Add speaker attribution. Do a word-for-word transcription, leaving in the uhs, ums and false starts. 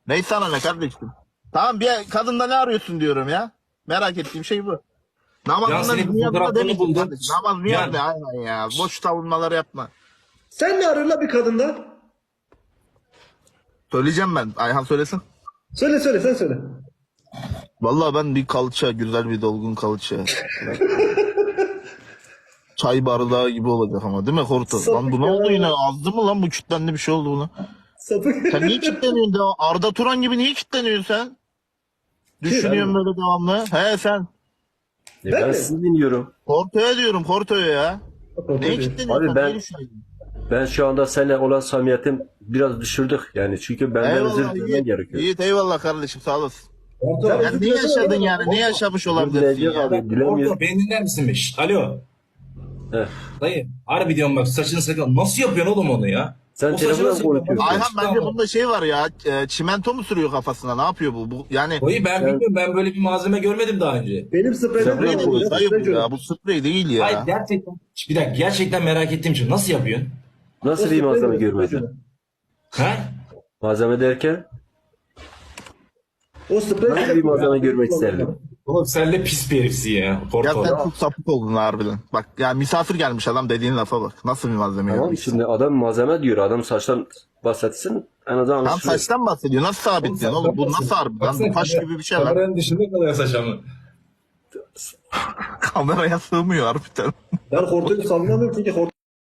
Speaker 1: Neyse sana ne kardeşim. Tamam bir kadında ne arıyorsun diyorum ya. Merak ettiğim şey bu.
Speaker 2: Ya
Speaker 1: Namazından
Speaker 2: senin
Speaker 1: niyazına
Speaker 2: fotoğraflarını
Speaker 1: demeyin
Speaker 2: buldum.
Speaker 1: kardeşim. Namaz niyaz
Speaker 2: Yani-
Speaker 1: ne aynen ya. Boş savunmaları yapma.
Speaker 3: Sen ne arıyorsun la bir kadında?
Speaker 1: Söyleyeceğim ben. Ayhan söylesin.
Speaker 3: Söyle söyle sen söyle.
Speaker 1: Vallahi ben bir kalça, güzel bir dolgun kalça. Çay bardağı gibi olacak ama değil mi Horto?
Speaker 3: Sapık
Speaker 1: Lan bu ne
Speaker 3: ya.
Speaker 1: oldu yine? Azdı mı lan bu kitlendi bir şey oldu buna?
Speaker 3: Sapık.
Speaker 1: Sen niye kitleniyorsun devam? Arda Turan gibi niye kitleniyorsun sen? Düşünüyorsun böyle devamlı. He sen.
Speaker 4: E
Speaker 3: Ben
Speaker 4: ben
Speaker 3: mi?
Speaker 4: sizi dinliyorum.
Speaker 1: Horto'ya diyorum Horto'ya ya. Neye kitleniyorsun?
Speaker 4: Abi ben-
Speaker 1: Neyi düşünüyorsun?
Speaker 4: Ben şu anda seninle olan samimiyetim biraz düşürdük yani çünkü benden özür
Speaker 1: Eyvallah
Speaker 4: dilemen
Speaker 1: Yiğit.
Speaker 4: gerekiyor.
Speaker 1: Yiğit eyvallah kardeşim sağ olasın.
Speaker 2: Orta,
Speaker 3: Sen-
Speaker 1: Yani ne yaşadın yani? Ne yaşamış
Speaker 4: Özür
Speaker 1: olabilirsin
Speaker 4: dileyecek
Speaker 1: ya?
Speaker 4: abi dilemiyorum.
Speaker 2: Orta beni dinler misin be? Şşt, alo.
Speaker 4: Heh.
Speaker 2: Dayı harbi diyorum bak saçını sakal. Nasıl yapıyorsun oğlum onu ya?
Speaker 4: Sen
Speaker 2: O saçını
Speaker 4: telefonla
Speaker 2: nasıl
Speaker 4: mı
Speaker 2: yapıyorsun?
Speaker 4: konuşuyorsun?
Speaker 1: Ayhan bence bunda şey var ya. e, Çimento mu sürüyor kafasına? Ne yapıyor bu? bu yani
Speaker 2: Dayı ben bilmiyorum, ben böyle bir malzeme görmedim daha önce.
Speaker 3: Benim spreyden
Speaker 4: Sprey
Speaker 1: sprey
Speaker 4: de
Speaker 1: de değil
Speaker 4: bu,
Speaker 1: dayı bu ya. Bu sprey değil ya.
Speaker 2: Hayır gerçekten, bir dakika gerçekten merak ettiğim için nasıl yapıyorsun?
Speaker 4: Nasıl bir malzeme görmedin?
Speaker 2: Ha?
Speaker 4: Malzeme derken
Speaker 3: O sprey
Speaker 4: nasıl bir malzeme görmek isterdin?
Speaker 2: Oğlum sen de pis bir herifsin ya.
Speaker 1: Ya
Speaker 2: Porto.
Speaker 1: sen çok sapık oldun harbiden. Bak ya misafir gelmiş adam dediğin lafa bak. Nasıl bir malzeme
Speaker 4: Tamam
Speaker 1: yapmış?
Speaker 4: şimdi adam malzeme diyor. Adam saçtan bahsetsin en azından
Speaker 1: Tam
Speaker 4: anlaşılıyor.
Speaker 1: saçtan bahsediyor. Nasıl sabitliyorsun oğlum? Bu nasıl harbiden? Bu taş gibi bir şey lan.
Speaker 2: Kameranın dışında kalıyor saç ama.
Speaker 1: Kameraya sığmıyor harbiden.
Speaker 3: Ben hortoyu savunamıyorum çünkü hort